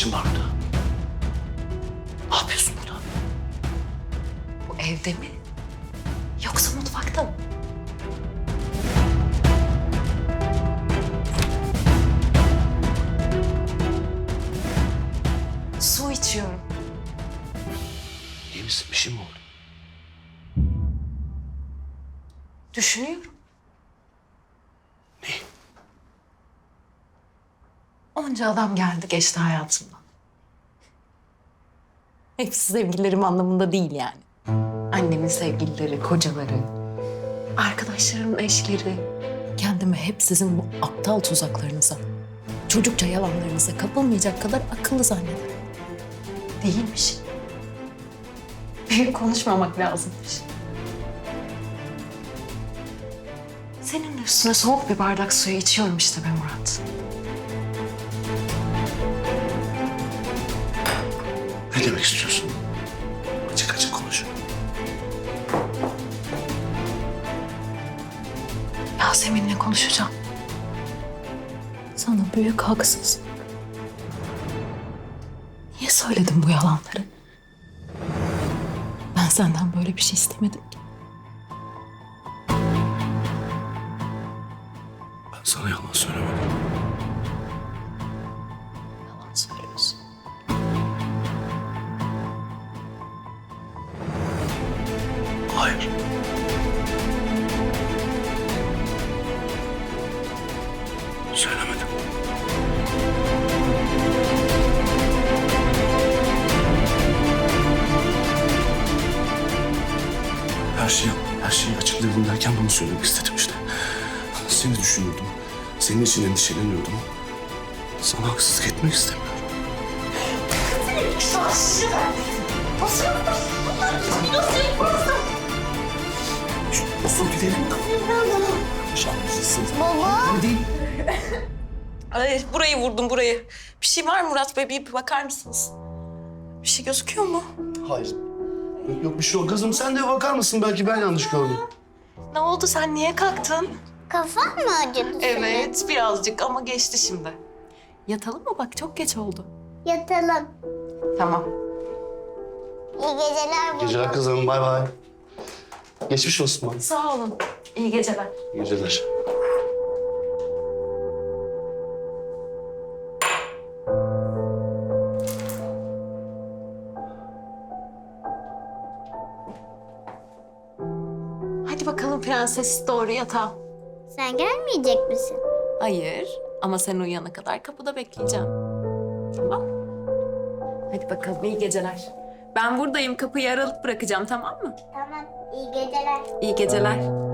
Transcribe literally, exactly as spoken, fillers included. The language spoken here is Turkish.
işin var burada? Ne yapıyorsun burada? Bu evde mi? Yoksa mutfakta mı? Su içiyorum. İyi misin? Bir şey mi oldu? Düşünüyorum. Ne? Onca adam geldi geçti hayatımdan. Hepsi sevgililerim anlamında değil yani. Annemin sevgilileri, kocaları, arkadaşlarımın eşleri. Kendimi hep sizin bu aptal tuzaklarınıza, çocukça yalanlarınıza kapılmayacak kadar akıllı zannederim. Değilmiş. Büyük konuşmamak lazımmış. Senin üstüne soğuk bir bardak suyu içiyorum işte be Murat. Ne demek istiyorsun? Açık açık konuş. Yasemin'le konuşacağım. Sana büyük haksızlık. Niye söyledin bu yalanları? Ben senden böyle bir şey istemedim ki. Ben sana yalan söylemedim. Yalan söylüyorsun. Hayır. Söylemedim. Her şeyi, her şeyi açıklayalım derken bunu söylemek istedim işte. Seni düşünüyordum. Senin için endişeleniyordum. Sana haksızlık etmek istemiyorum. Nasıl gidelim? Şanslısın. Ay, burayı vurdum burayı. Bir şey var mı Murat Bey? Bir bakar mısınız? Bir şey gözüküyor mu? Hayır. Yok, yok bir şey yok. Kızım sen de bakar mısın? Belki ben yanlış gördüm. Ne oldu? Sen niye kalktın? Kafan mı acıdı senin? Evet, birazcık ama geçti şimdi. Yatalım mı? Bak çok geç oldu. Yatalım. Tamam. İyi geceler baba. Geceler kızım. Bay bay. Geçmiş olsun bana. Sağ olun. İyi geceler. İyi geceler. Hadi bakalım prenses doğru yatağa. Sen gelmeyecek misin? Hayır ama sen uyuyana kadar kapıda bekleyeceğim. Tamam. Hadi bakalım iyi geceler. Ben buradayım kapıyı aralık bırakacağım tamam mı? Tamam. İyi geceler. İyi geceler.